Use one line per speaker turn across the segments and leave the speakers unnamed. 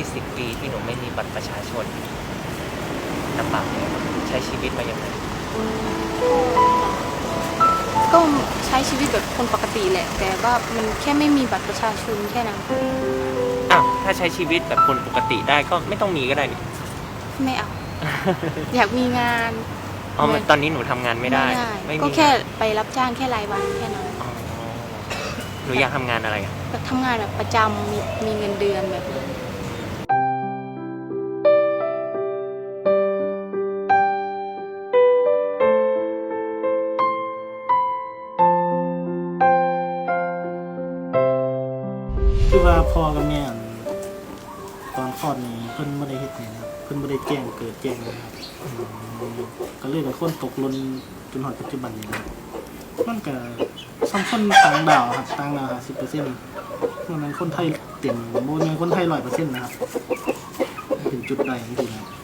20 ปีที่หนูไม่มีบัตรประชาชนลำบากไหมใช้ชีวิตมาอย่างไร
ก็ใช้ชีวิตแบบคนปกติแหละแต่ว่ามันแค่ไม่มีบัตรประชาชนแค่นั้น
อ้าวถ้าใช้ชีวิตแบบคนปกติได้ก็ไม่ต้องมีก็ได้นี่
ไม่เอา อยากมีงาน
อ๋อตอนนี้หนูทำงานไม่ได้ไม่
ก็
มี
แค่ไปรับจ้างแค่รายวันแค่นั้น
อ๋อหนูอยากทำงานอะไรอ่ะ
แบบทำงานแบบประจำมีเงินเดือนแบบนี้
คือว่าพ่อกับแม่ตอนคลอดนี้เพิ่นไม่ได้เฮ็ดนี่นะครับเพิ่นไม่ได้แจ้งเกิดแจ้งนะครับก็เลยเป็นคนตกหล่นจนถึงปัจจุบันนี้ครับมันก็ซ้ำคนต่างดาวครับต่างดาว50%มันคนไทยเต็มบ่แม่นคนไทย100%นะครับเป็นจุดใดจริงๆครับ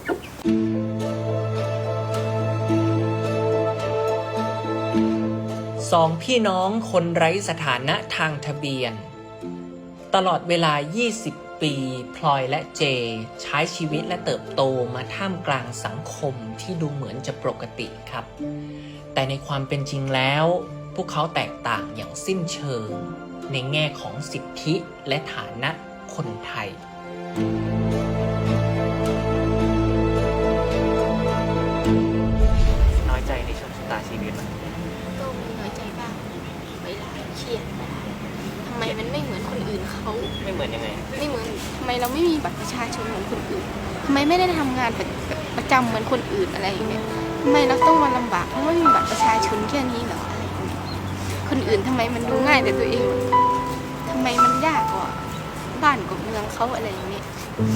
สองพี่น้องคนไร้สถานะทางทะเบียนตลอดเวลา 20 ปีพลอยและเจใช้ชีวิตและเติบโตมาท่ามกลางสังคมที่ดูเหมือนจะปกติครับ แต่ในความเป็นจริงแล้วพวกเขาแตกต่างอย่างสิ้นเชิงในแง่ของสิทธิและฐานะคนไทย
น้อยใจในโชคชะตาชีวิตมัน
ก็มีน้อยใจบ้างเวลาเครียดทำไมมันไม่เหมือนคนอื่นเขา
ไม่เหมือนยังไง
ไม่เหมือนทำไมเราไม่มีบัตรประชาชนเหมือนคนอื่นทำไมไม่ได้ทำงานประจำเหมือนคนอื่นอะไรอย่างเงี้ยทำไมเราต้องมาลำบากเพราะไม่มีบัตรประชาชนแค่นี้เหรออะไรอย่างเงี้ยคนอื่นทำไมมันดูง่ายแต่ตัวเองทำไมมันยากกว่าบ้านกับเมืองเขาอะไรอย่างเงี้ย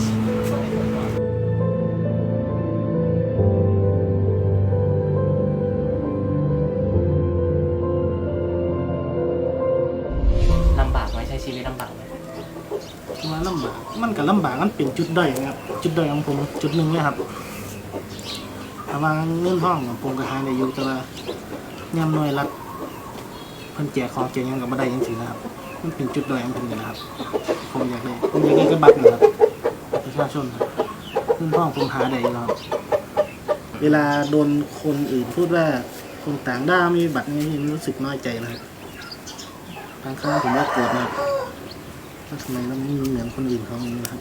ลำบากไหมใช้ชีวิตลำบากไหม
ว่าลำบากมันก็ลำบากมันเป็นจุดด้อยนะครับจุดด้อยของผมจุดหนึ่งเลยครับถ้าว่าเงินห้องผมก็หาได้อยู่แต่ว่าย่ำหน่วยรัฐเพิ่นแจกของแจกยังกับบ่ได้จังซี่นะครับมันเป็นจุดด้อยของผมเลยนะครับผมอยากได้กระบัตรนะครับประชาชนครับเงินห้องผมหาได้อยู่ครับเวลาโดนคนอื่นพูดว่าคนต่างด้าวมีบัตรนี้รู้สึกน้อยใจนะครับบางครั้งผมก็โกรธนะครับว่าทำไมเราไม่เหมือนคนอื่นเขาอย่างนี้นะครับ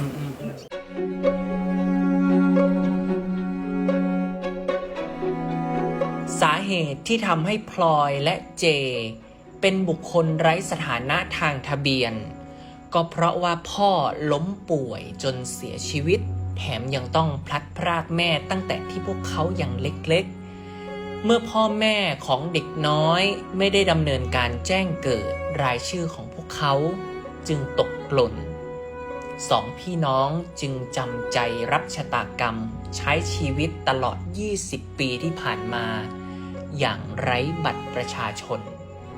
สาเหตุที่ทำให้พลอยและเจเป็นบุคคลไร้สถานะทางทะเบียนก็เพราะว่าพ่อล้มป่วยจนเสียชีวิตแถมยังต้องพลัดพรากแม่ตั้งแต่ที่พวกเขายังเล็กๆเมื่อพ่อแม่ของเด็กน้อยไม่ได้ดำเนินการแจ้งเกิดรายชื่อของพวกเขาจึงตกหล่นสองพี่น้องจึงจำใจรับชะตากรรมใช้ชีวิตตลอด 20 ปีที่ผ่านมาอย่างไร้บัตรประชาชน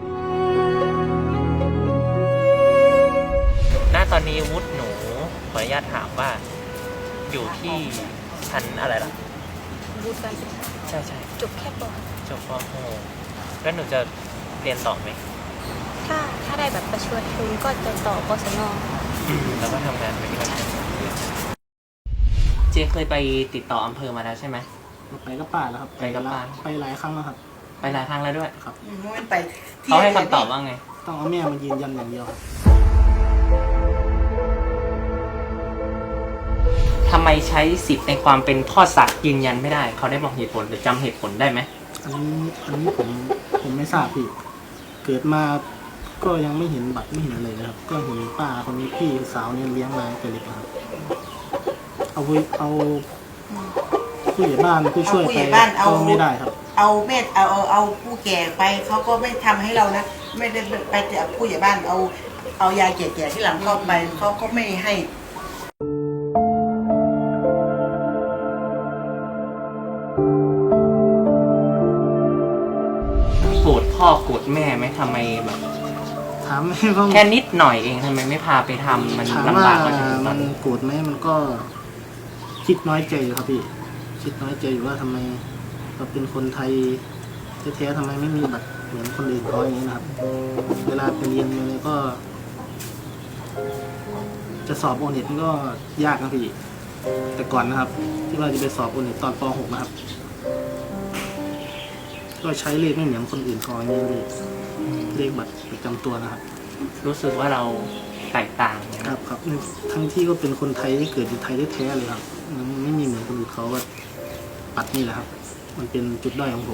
ณตอนนี้วุฒิหนูขออนุญาตถามว่าอยู่ที่ชั้นอะไรล่ะ
วุฒิการศึกษา
ใช่
จบแค่ป.
จบป.โหแล้วหนูจะเรียนต่อไหม
ถ้าได้แบบประชาชนก็จะต่อกศน.
แล้วก็ทำงานไปที่นั่นเจเคยไปติดต่ออำเภอมาแล้วใช่ไหม
ไปกับป้าแล้วครับ
ไปกับป้า
ไปหลายครั้งแล้วครับ
ไปหลายครั้งแล้วด้วย
ครับ
เขาให้คำตอบว่าไง
ต้องเอาแม่มายืนยันอย่างเดียว
ทำไมใช้สิทธิ์ในความเป็นพ่อสัตว์ยืนยันไม่ได้เขาได้บอกเหตุผลหรือจำเหตุผลได้ไหม
อันนี้ผมไม่ทราบพี่เกิดมาก็ยังไม่เห็นบัตรไม่เห็นอะไรเลยครับก็เห็นป้าคนนี้พี่สาวเนี่ยเลี้ยงมาแต่เด็กครับเอาผู้ใหญ่บ้านผู้ช่วยไปก็ไม่ได้ครับ
เอาเม็ดเอาผู้แก่ไปเขาก็ไม่ทำให้เรานะไม่ได้ไปแต่ผู้ใหญ่บ้านเอายาแก่ๆที่หลังเข้าไปเขาก็ไม่ให้
โกรธพ่อโกรธแม่ไหมทำไมแบบ
ถาม
แค่นิดหน่อยเองทำไมไม่พาไปทำมันลำบากกว่า
มันโกรธไหมมันก็คิดน้อยใจอยู่ครับพี่คิดน้อยใจอยู่ว่าทำไมเราเป็นคนไทยแท้ๆทำไมไม่มีบัตรเหมือนคนอื่นเขาอย่างนี้นะครับเวลาไปเรียนเลยก็จะสอบโอเน็ตก็ยากนะพี่แต่ก่อนนะครับ ที่ว่าจะไปสอบโอเน็ตตอนป .6 นะครับก็ใช้เลขไม่เหมือนคนอื่นเขาอย่างนี้เลยเลขบัตรประจำตัวนะครับ
รู้สึกว่าเราแตกต่างนะครับ
ครับทั้งที่ก็เป็นคนไทยที่เกิดอยู่ไทยแท้ๆเลยครับมันไม่มีเหมือนคนอื่นเขาว่าปัดนี่แหละครับ มันเป็นจุดด้อยของผม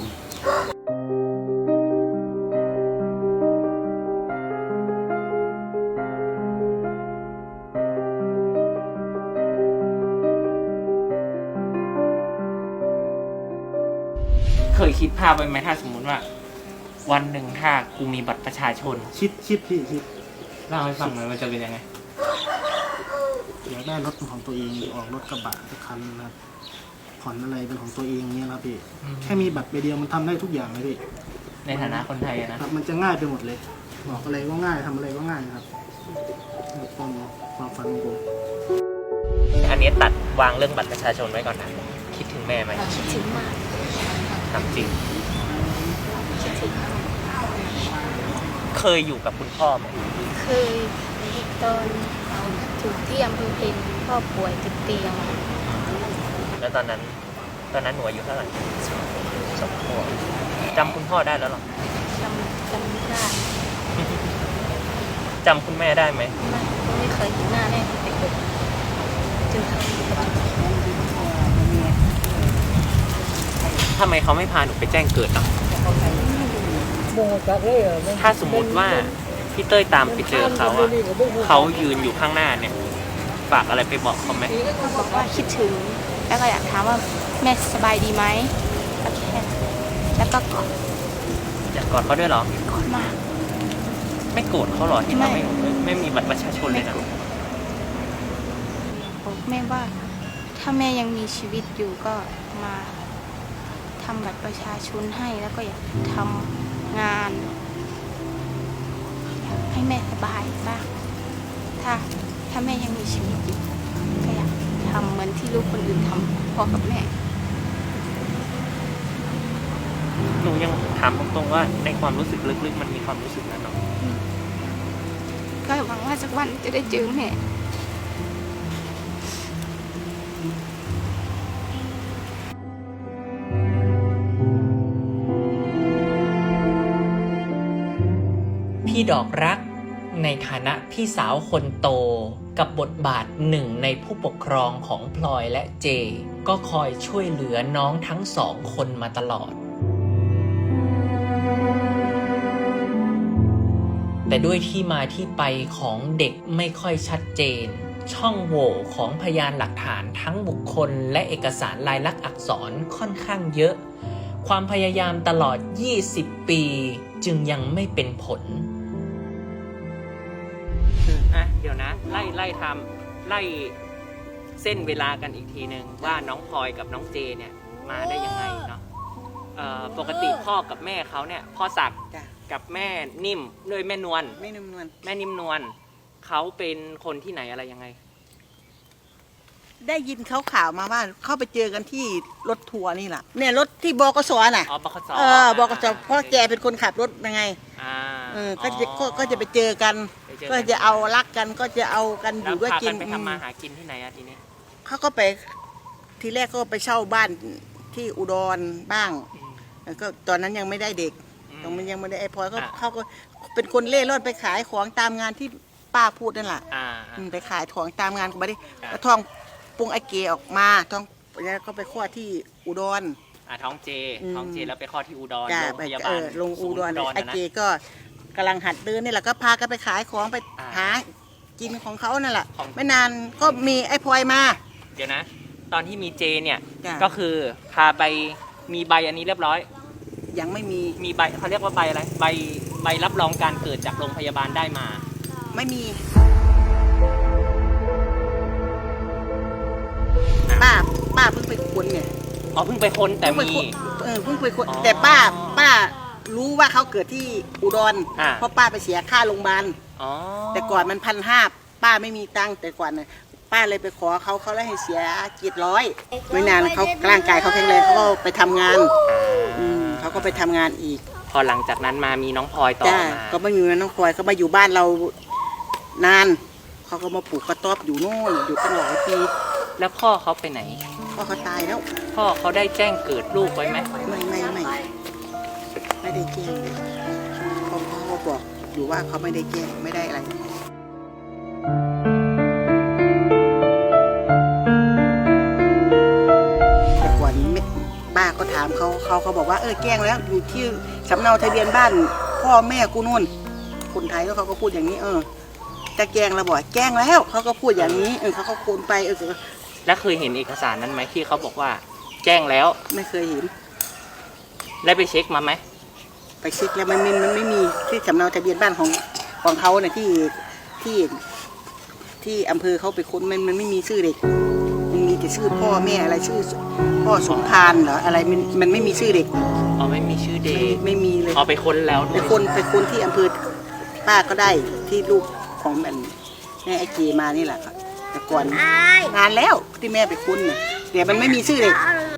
เคยคิดภาพไว้ไหมถ้าสมมุติว่า วันหนึ่งถ้ากูมีบัตรประชาชน
คิดพี่คิด
เล่าให้ฟังหน่อยมันจะเป็นยังไง
อยากได้รถเป็นของตัวเองออกรถกระบะสักคันนะครับผ่อนอะไรเป็นของตัวเองเนี้ยครับพี่
อืม
แค่มีบัตรใบเดียวมันทำได้ทุกอย่างเลยพี่
ในฐานะคนไทยอะนะ
ครับมันจะง่ายไปหมดเลยบอกอะไรก็ง่ายทำอะไรก็ง่ายนะครับความฝันของผม
อันนี้ตัดวางเรื่องบัตรประชาชนไว้ก่อนนะคิดถึงแม่ไหม
คิดถึงมาก
ถามจริง
คิดถึงมาก
เคยอยู่กับคุณพ่อไหม
เคยตอนอยู่ที่อำเภอเพนพ่อป่วยติดเตียง
แล้วตอนนั้นหนูอายุเท่าไหร่2 ขวบจำคุณพ่อได้แล้วหรอ
จำไม่ได้
จำคุณแม่ได้ไหม
ไม่เคยเห็นหน้าแม่ตั้งแต่เกิดจนเขา
ทำไมเขาไม่พาหนูไปแจ้งเกิดอ่ะถ้าสมมติว่าพี่เต้ยตามไปเจอเขาอ่ะเขายืนอยู่ข้างหน้าเนี่ยฝากอะไรไปบอกเขาไหม
บอกว่าคิดถึงแล้วก็อยากถามว่าแม่สบายดีไหมโอเคแล้วก็กอด
อยากกอดเขาด้วยเหรอ
กอดมาก
ไม่โกรธเขาเหรอที่เขาไม่มีบัตรประชาชนเลยนะ
บอกแม่ว่าถ้าแม่ยังมีชีวิตอยู่ก็มาทำบัตรประชาชนให้แล้วก็อยากทำงานอยากให้แม่สบายบ้างถ้าแม่ยังมีชีวิตอยู่ก็อยากทำเหมือนที่ลูกคนอื่นทำพ่อกับแม่
หนูยังถามตรงๆว่าในความรู้สึกลึกๆมันมีความรู้สึกนั้นเนาะ
ก็หวังว่าสักวันจะได้เจอแม่
พี่ดอกรักในฐานะพี่สาวคนโตกับบทบาทหนึ่งในผู้ปกครองของพลอยและเจ ก็คอยช่วยเหลือน้องทั้งสองคนมาตลอด แต่ด้วยที่มาที่ไปของเด็กไม่ค่อยชัดเจน ช่องโหว่ของพยานหลักฐานทั้งบุคคลและเอกสารลายลักษณ์อักษรค่อนข้างเยอะ ความพยายามตลอด 20 ปีจึงยังไม่เป็นผล
อ่ะเดี๋ยวนะไล่ทำไล่เส้นเวลากันอีกทีหนึ่งว่าน้องพลอยกับน้องเจเนี่ยมาได้ยังไงเนาะปกติพ่อกับแม่เขาเนี่ยพ่อศักดิ์
จ้ะ
กับแม่นิ่มด้วยแม่นวล
ไม่นุ่มนวล
แม่นิ่มนวลเขาเป็นคนที่ไหนอะไรยังไง
ได้ยินเขาข่าวมาว่าเข้าไปเจอกันที่รถทัวร์นี่แหละเนี่ยรถที่บกสน่ะ
อ๋อบกส
บกสเพราะแกเป็นคนขับรถยังไง
อ่า
ก็จะไปเจอกัน
ไปเจอ
ก็จะเอารักกันก็จะเอากันอ
แล้ว
ยู่ด้วย
พา
กิ
กัน นไปทำมาหากินที่ไหนอะทีนี้
เขาก็ไปทีแรกก็ไปเช่าบ้านที่อุดรบ้าง ก็ตอนนั้นยังไม่ได้เด็ก
อืม
ยังไม่ได้ไอ้พลอยก็
อ่ะ
เขาก็เป็นคนเล่ร่อนไปขายของตามงานที่ป้าพูดนั่นแหละ
อ่า
ไปขายของตามงานก็ไม่ได้
อ่ะ
แล้วท้องปรุงไอเกออกมาท้องแล้วก็ไปคลอดที่อุดร
ท้องเจ
อืม
ท้องเจแล้วไปคลอดที่อุดร
จ้ะ
โรงพยาบาล
ลงอุดร
ศูนย์
ไอ
นะ
เกก็กำลังหัดเดินนี่แหละก็พากันไปขายของไป
อ่า
หากินของเขานั่นแหละ
ของ
ไม่นานก็มีไอ้พลอยมา
เดี๋ยวนะ ตอนที่มีเจเนี่ย
จ้ะ
ก็คือพาไปมีใบอันนี้เรียบร้อย
ยังไม่มี
มีใบเขาเรียกว่าใบอะไรใบรับรองการเกิดจากโรงพยาบาลได้มา
ไม่มี
อ่ะ
ป้าเพิ่งไปค้นเนี่ย
อ๋อเพิ่งไปค้นแต่มี
เพิ่งไปค้น
อ๋อ
แต่ป้ารู้ว่าเขาเกิดที่อุดร
อ่า
เพราะป้าไปเสียค่าโรงพยาบาล
อ๋อ
แต่ก่อนมัน1,500ป้าไม่มีตังค์แต่ก่อนน่ะป้าเลยไปขอเขาเลยให้เสีย700ไม่นานเขาร่างกายเขาแข็งแรงเขาก็ไปทำงานเขาก็ไปทำงานอีก
พอหลังจากนั้นมามีน้องพลอยต่อ
จ้า
มา
ก็ไม่มีน้องพลอยเขามาอยู่บ้านเรานานเขาเขาก็มาปลูกกระต๊อบอยู่โน่นอยู่ตั้งหลายปี
แล้วพ่อเขาไปไหน
พ่อเขาตายแล้ว
พ่อเขาได้แจ้งเกิดลูกไว้ไหม
ไม่ได้แจ้งเลยพ่อเขาบอกอยู่ว่าเขาไม่ได้แจ้งไม่ได้อะไรแต่ก่อนป้าก็ถามเขาบอกว่าแจ้งแล้วอยู่ที่สำเนาทะเบียนบ้านพ่อแม่กูนู่นคนไทยแล้วเขาก็พูดอย่างนี้จะแจ้งแล้วบอกแจ้งแล้วเขาก็พูดอย่างนี้เขาก็โคนไป
แล้วเคยเห็นเอกสารนั้นไหมที่เขาบอกว่า แจ้งแล้ว
ไม่เคยเห็น
ได้ไปเช็คมาไหม
ไปเช็คแล้วมันไม่มีที่สำเนาทะเบียนบ้านของเขาเนี่ยที่อำเภอเขาไปค้นมันไม่มีชื่อเด็กมันมีแต่ชื่อพ่อแม่อะไรชื่อพ่อสมภารเหรออะไรมันไม่มีชื่อเด็ก
อ๋อไม่มีชื่อเด็ก
ไม่มีเลย
อ๋อไปค้นแล้ว
ไปค้นที่อำเภอป้าก็ได้ที่ลูกของแม่ไอเจมานี่แหละครับแต่ก่อนนานแล้วที่แม่ไปค้นเนี่ยแต่มันไม่มีชื่อเด็ก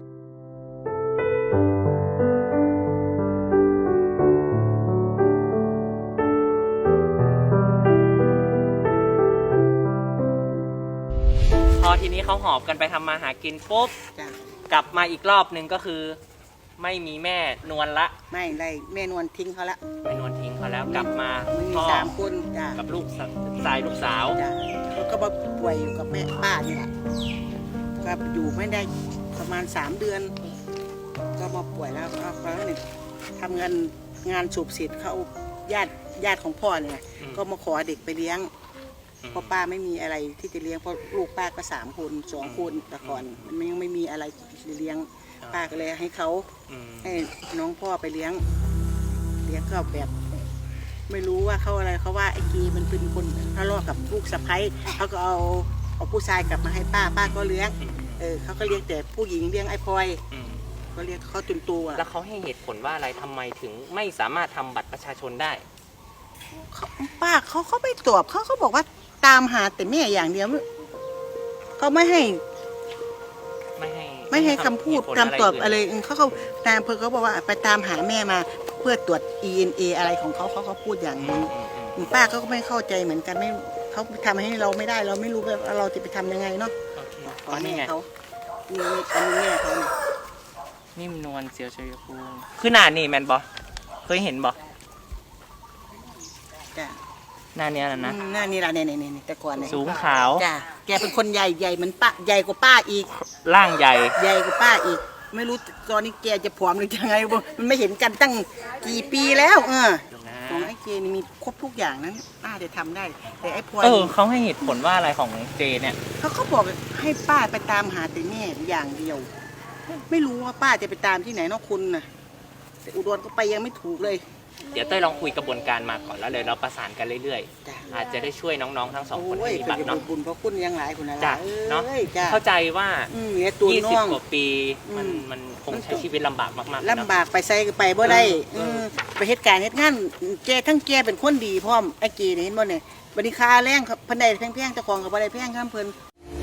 พอทีนี้เขาหอบกันไปทำมาหากินปุ๊บ
จ้ะ
กลับมาอีกรอบนึงก็คือ ไม่มีแม่นวลละ
ไม่ได้แม่นวลทิ้งเขาละ
แม่นวลทิ้งเขาแล้วกลับมา
ไม่มี
พ่อ
3 คนจ้ะ
กับลูกชายลูกสาว
จ้ะแล้วก็มาป่วยอยู่กับแม่ป้านี่แหละก็อยู่ไม่ได้ประมาณ3 เดือน ก็มาป่วยแล้วก็เนี่ยทำงานสูบเสร็จเขาญาติของพ่อเนี่ยก็มาขอเด็กไปเลี้ยงเพราะป้าไม่มีอะไรที่จะเลี้ยงเพราะลูกป้าก็3 คน2 คนแต่ก่อนมันยังไม่มีอะไรเลี้ยงป้าก็เลยให้เขาให้น้องพ่อไปเลี้ยงก็แบบไม่รู้ว่าเขาอะไรเขาว่าไอ้กีมันเป็นคนทะเลาะกับลูกสะใภ้เขาก็เอาผู้ชายกลับมาให้ป้าก็เลี้ยงเขาก็เลี้ยงแต่ผู้หญิงเลี้ยงไอ้พลอยก็เลี้ยงเขาจนตัว
แล้วเขาให้เหตุผลว่าอะไรทำไมถึงไม่สามารถทำบัตรประชาชนได้
ป้าเขาไม่ตอบเขาบอกว่าตามหาแต่แม่อย่างเดียวเขาไม่ให้คำพูดคำตอบอะไรเขาตามเพื่อเขาบอกว่าไปตามหาแม่มาเพื่อตรวจ ENA อะไรของเขาพูดอย่างนี้ป้าเขาก็ไม่เข้าใจเหมือนกันไม่เขาทำให้เราไม่ได้เราไม่รู้ว่าเราจะไปทำยังไงเนาะขอแม่เขานี่อันนี้แม่เขาเนี่ย
นิ่มนวลเสียวชัยภูมิคือหน้านี่แมนบอเคยเห็นบอ
จ้ะ
หน้าเนี้ยนะ
หน้านี่ละเนี่ยแต่ก่อนเนี่ย
สูงขาว
จ้ะแกเป็นคนใหญ่เหมือนป้าใหญ่กว่าป้าอีก
ร่างใหญ่
ใหญ่กว่าป้าอีกไม่รู้ตอนนี้แกจะผอมหรือยังไงมันไม่เห็นกันตั้งกี่ปีแล้วของไอ้เจนี่มีครบทุกอย่างนั้นป้าจะทำได้แต่ไอ้พลอย
เขาให้เหตุผลว่าอะไรของเจเนี่ย
เขาบอกให้ป้าไปตามหาแต่แม่อย่างเดียว ไม่รู้ว่าป้าจะไปตามที่ไหนนอกคุณน่ะแต่อุดรก็ไปยังไม่ถูกเลย
เดี๋ยวเต้ยลองคุยกระบวนการมาก่อนแล้วเลยเราประสานกันเรื่อย
จ้ะ
ๆอาจจะได้ช่วยน้องๆทั้งสองคน
โอ้ย
ให้มีบัตรเนาะ
บุญเพราะคุณยังหลายคนนะ
จ้ะเนาะเข้าใจว่า
เนี่ยตัวน้อง
20 กว่าปีมันคงใช้ชีวิตลำบากมากๆ
ลำบากไปใส่ไปบ่ได้ไปเหตุการณ์เหตุงานแกทั้งแกเป็นคนดีพร้อมไอ้เกนี่เห็นบ่เนี่ยบริค่าแรงครับเพิ่นได้แพงๆเจ้าของก็บ่ได้แพงครับเพิ่น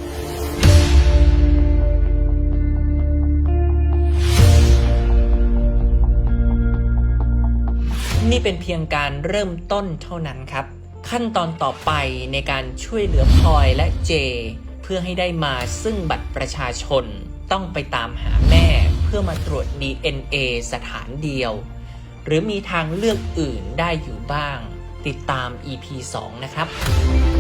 นี่เป็นเพียงการเริ่มต้นเท่านั้นครับ ขั้นตอนต่อไปในการช่วยเหลือพลอยและเจ เพื่อให้ได้มาซึ่งบัตรประชาชนต้องไปตามหาแม่เพื่อมาตรวจ DNA สถานเดียว หรือมีทางเลือกอื่นได้อยู่บ้าง ติดตาม EP 2 นะครับ